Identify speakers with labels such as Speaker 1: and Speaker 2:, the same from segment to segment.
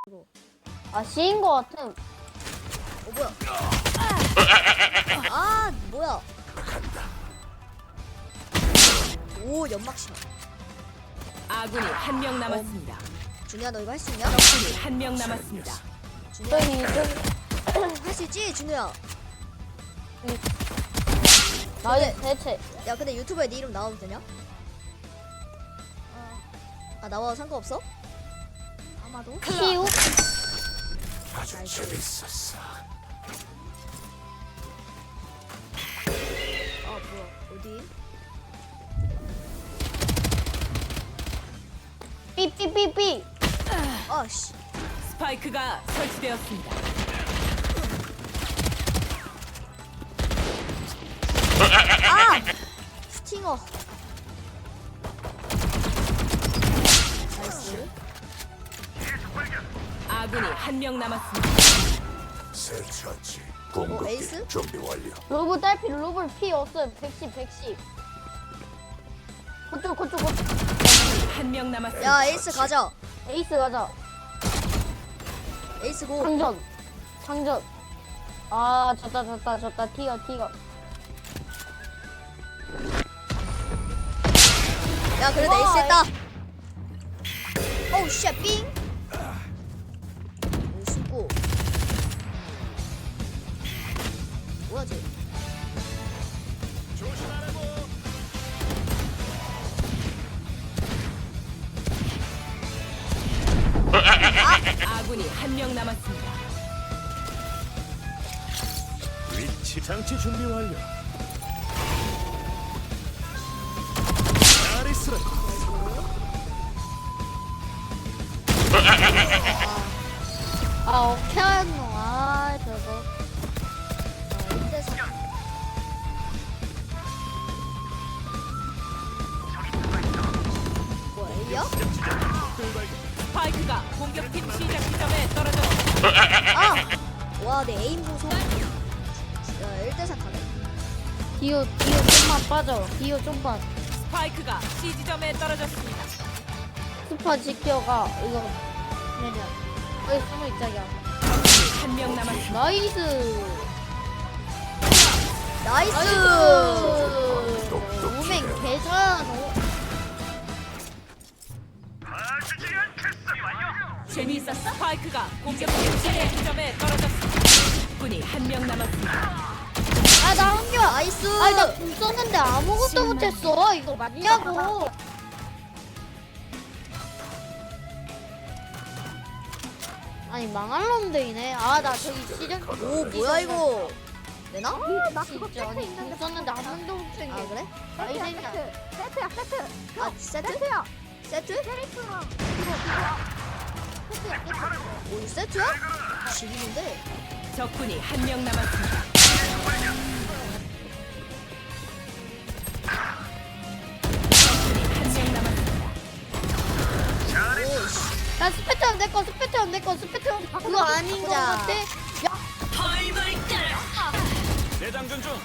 Speaker 1: 아 C인 거 같음.
Speaker 2: 뭐야? 아 뭐야? 오 연막 심어.
Speaker 3: 아군이 한 명 남았습니다.
Speaker 2: 준우야 너 이거 할 수 있냐?
Speaker 3: 적군이 한 명 남았습니다.
Speaker 2: 준우야
Speaker 1: 저기
Speaker 2: 할 수 있지 준우야.
Speaker 1: 나의 대체.
Speaker 2: 야 근데 유튜브에 네 이름 나와도 되냐? 아 나와도 상관없어? 아마도?
Speaker 1: 시우?
Speaker 4: 아주 재밌었어.
Speaker 2: 아 뭐야 어디?
Speaker 1: 삐삐삐삐.
Speaker 2: 아씨
Speaker 3: 스파이크가 설치되었습니다.
Speaker 2: 아! 스팅어 나이스.
Speaker 3: 아군이 한 명 남았습니다.
Speaker 4: 설치한지
Speaker 2: 에이스?
Speaker 4: 공급기 준비 완료.
Speaker 1: 로브 딸피 로브 피 없어요. 110. 그쪽.
Speaker 3: 한 명 남았습니다.
Speaker 2: 야 에이스 가자.
Speaker 1: 에이스 가자.
Speaker 2: 에이스 고.
Speaker 1: 장전. 아 졌다. 튀어.
Speaker 2: 야 그래도
Speaker 1: 와,
Speaker 2: 에이스 했다. 오우 쉣 삥. 오 수고. 뭐야 쟤?
Speaker 3: 아군이 한 명 남았습니다.
Speaker 4: 위치 장치 준비 완료. 나리스라.
Speaker 1: 아 오케이노. 아 저거.
Speaker 2: 자 1대4. 뭐야 A야?
Speaker 3: 스파이크가 공격팀 시작 지점에 떨어졌습니다.
Speaker 2: 아! 와 내 에임 보소. 야 1대4 가네.
Speaker 1: 디오 좀만 빠져. 디오 좀만.
Speaker 3: 스파이크가 C 지점에 떨어졌습니다.
Speaker 1: 스파 지켜가. 이거 내려. 거기 숨어 있자기야.
Speaker 3: 한 명 남았습니다.
Speaker 1: 나이스.
Speaker 2: 나이스!
Speaker 1: 오멘 개잘하노.
Speaker 3: 재미있었어? 스파이크가 공격팀 시작 지점에 떨어졌습니다. 군이 한 명 남았습니다.
Speaker 1: 아 나 한겨.
Speaker 2: 나이스!
Speaker 1: 아니 나궁 썼는데 아무것도 못했어. 이거 맞냐고. 아니 망할 놈들이네. 아 나 저기 시전.
Speaker 2: 오 뭐야 이거? 내나?
Speaker 1: 진짜 아니 궁 썼는데 한 번도 못 챙겨.
Speaker 2: 아 그래?
Speaker 1: 아이젠이야.
Speaker 5: 세트야 세트.
Speaker 2: 아 세트?
Speaker 5: 세트야.
Speaker 2: 세트?
Speaker 5: 캐릭터랑
Speaker 2: 오 이거 세트야? 지리는데?
Speaker 3: 적군이 한 명 남았습니다. 적군이 한 명 남았습니다.
Speaker 2: 오씨
Speaker 1: 야 스페트럼 내꺼 스페트럼 그거 아닌 거
Speaker 2: 바꾸자.
Speaker 1: 같아. 야
Speaker 4: 대장전 중.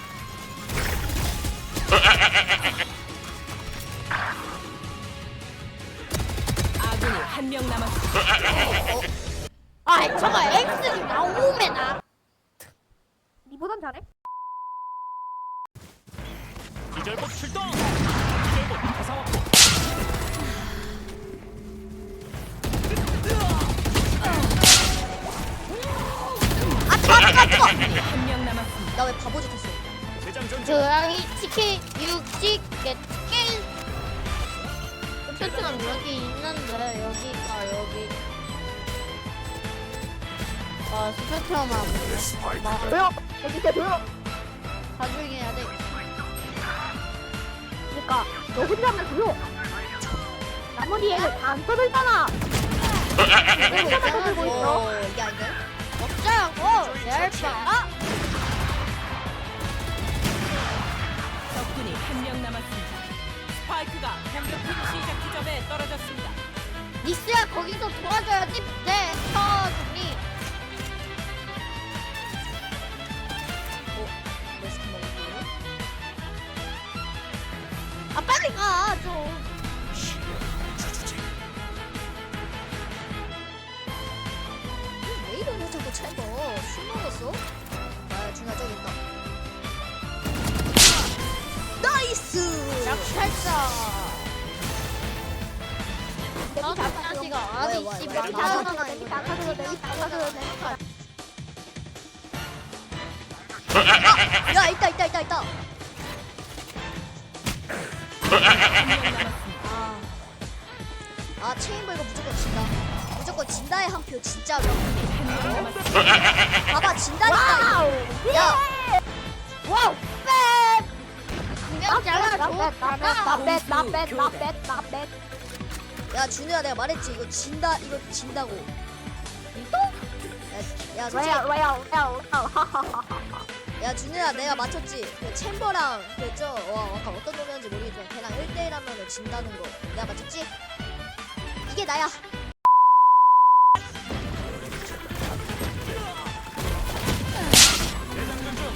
Speaker 3: 아군이 한 명 남았습니다.
Speaker 1: 아 저거 X이 나오면 나.
Speaker 5: 니보단 잘해?
Speaker 4: 기절복 출동. 기절복 가상 확보.
Speaker 3: 적군이 한 명 남았습니다.
Speaker 2: 나 왜 바보짓 했어?
Speaker 4: 대장전 중.
Speaker 1: 저랑이 치킨 육식 겟 스페트럼 여기 있는데 여기. 아 스페트럼하고
Speaker 4: 스파이크.
Speaker 5: 조용. 여기 있어 조용.
Speaker 1: 나중에 해야 돼.
Speaker 5: 그러니까 너 혼자만 조용. 나머지 애들 다 안 떠들잖아.
Speaker 1: 이거
Speaker 5: 떠들고 있어.
Speaker 2: 오 이게 아닌데?
Speaker 1: 먹자고 열봐.
Speaker 3: 적군이 한 명 남았습니다. 스파이크가 공격팀 시작 지점에 떨어졌습니다.
Speaker 1: 닉스야 거기서 도와줘야지. 네, 정리.
Speaker 2: 내 스킨 먹을게.
Speaker 1: 아 빨리 가 좀. 약탈자.
Speaker 5: 내기 다
Speaker 1: 자식아
Speaker 2: 왜,
Speaker 1: 아니
Speaker 2: 왜,
Speaker 1: 씨
Speaker 2: 왜,
Speaker 1: 말
Speaker 2: 왜,
Speaker 1: 타잖아
Speaker 5: 내기
Speaker 1: 이거.
Speaker 5: 다 가져도 내기 다 가져도 돼.
Speaker 2: 야 있다. 아 체인버 이거 무조건 진다. 무조건 진다의 한 표 진짜로. 봐봐 진다니까.
Speaker 5: 와우.
Speaker 2: 야
Speaker 5: 와우.
Speaker 1: 분명 잘라
Speaker 5: 나뱃.
Speaker 2: 야 준우야 내가 말했지 이거 진다 이거 진다고. 야 솔직히
Speaker 5: 왜요?
Speaker 2: 야 준우야 내가 맞췄지. 그 챔버랑 그저 아까 어떤 놈이었는지 모르겠지만 걔랑 1대1 하면 진다는 거 내가 맞췄지? 이게 나야.
Speaker 4: 대장전 중.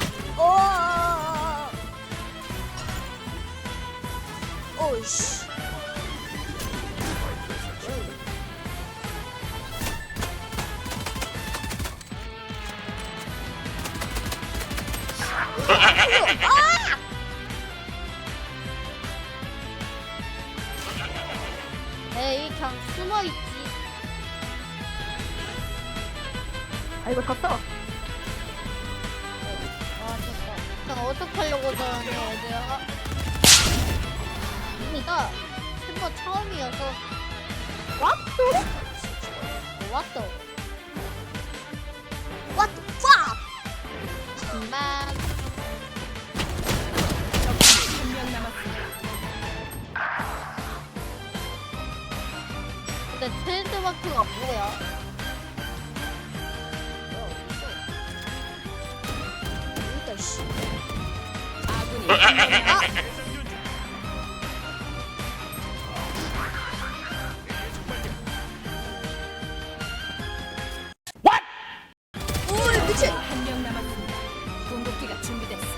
Speaker 2: 오이씨.
Speaker 1: 에이 그냥 숨어있지.
Speaker 5: 아 이거 졌어.
Speaker 1: 아 됐다. 그냥 어떡하려고 저러냐 얘들아. 이미가 햄버 처음이어서 왔어.
Speaker 2: What the fuck?
Speaker 1: 금방
Speaker 3: 한명 남았습니다.
Speaker 1: 근데 트렌드마크가 뭐야?
Speaker 2: 일단 씨.
Speaker 3: 아군이 한명 남았습니다.
Speaker 4: 대장전 중.
Speaker 2: 오 미친.
Speaker 3: 한명 남았습니다. 궁극기가 준비됐어.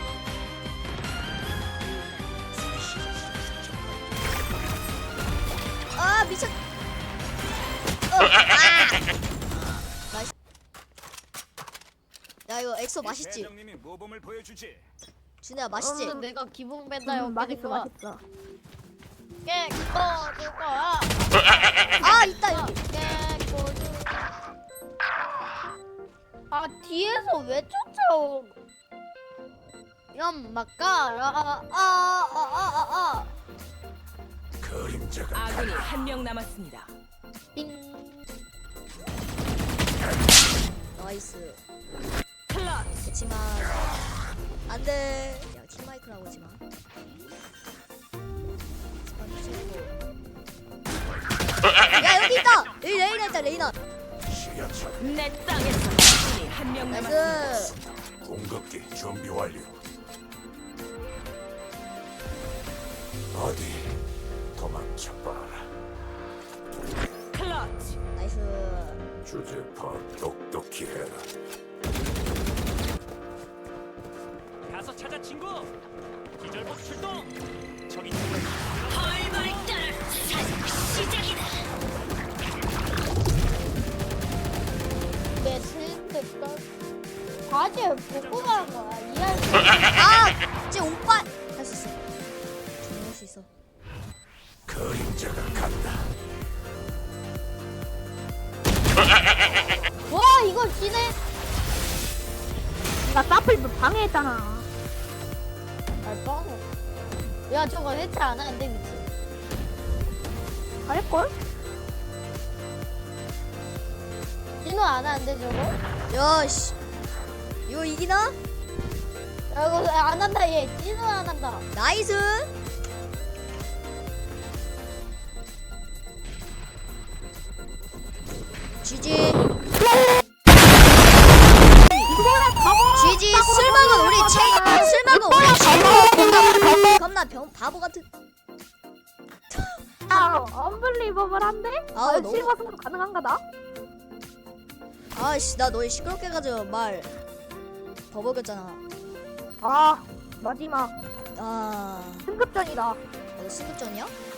Speaker 2: 아 미쳤. 나이스. 야 이거 엑소 맛있지?
Speaker 4: 대장님이 모범을 보여주지.
Speaker 2: 준우야 맛있지?
Speaker 1: 내가 기본 맨날
Speaker 5: 맛있어.
Speaker 1: 깨꺼줄 거야.
Speaker 2: 아 있다 여기.
Speaker 1: 깨꺼줄. 아 뒤에서 왜 쫓아오? 연막가라.
Speaker 4: 그림자가
Speaker 3: 아군이 한명 남았습니다.
Speaker 1: 띵.
Speaker 2: 나이스.
Speaker 3: 클러치.
Speaker 2: 그치만 안돼. 야 팀마이크라고 하지 마. 스펀지 최고. 야 여기 있다. 여기 레이나 있다 레이나.
Speaker 3: 내 땅에서 아군이 한명 남았습니다.
Speaker 2: 나이스.
Speaker 4: 공격기 준비 완료. 어디 도망쳐봐라.
Speaker 3: 클러치.
Speaker 2: 나이스.
Speaker 4: 주제파 똑똑히 해라. 가서 찾아 친구. 기절복 출동. 저기
Speaker 1: 내 트렌드 과제 보고 가는 거야. 이해할 수
Speaker 2: 아, 쟤 오빠 할 수 있어. 할 수 있어.
Speaker 4: 그림자가 간다.
Speaker 1: 와 이걸 지네.
Speaker 5: 나 사플 방해했잖아.
Speaker 1: 알바노. 야 저거 해체 안 하는데 미친.
Speaker 5: 할걸?
Speaker 1: 진호 안 하는데 저거?
Speaker 2: 야, 씨. 이거 이기나?
Speaker 1: 야 이거 안 한다 얘. 진호 안 한다.
Speaker 2: 나이스. GG. GG. 쓸먹은 우리 체인. 쓸먹은 우리 체인. 겁나 바보 같은.
Speaker 5: 아, 언블리버블한데?
Speaker 2: 아우,
Speaker 5: 아,
Speaker 2: 너무-
Speaker 5: 실버 승부 가능한가 나?
Speaker 2: 아씨, 나 너희 시끄럽게 해가지고 말 버벅였잖아.
Speaker 5: 아, 마지막
Speaker 2: 아,
Speaker 5: 승급전이다.
Speaker 2: 너 승급전이야?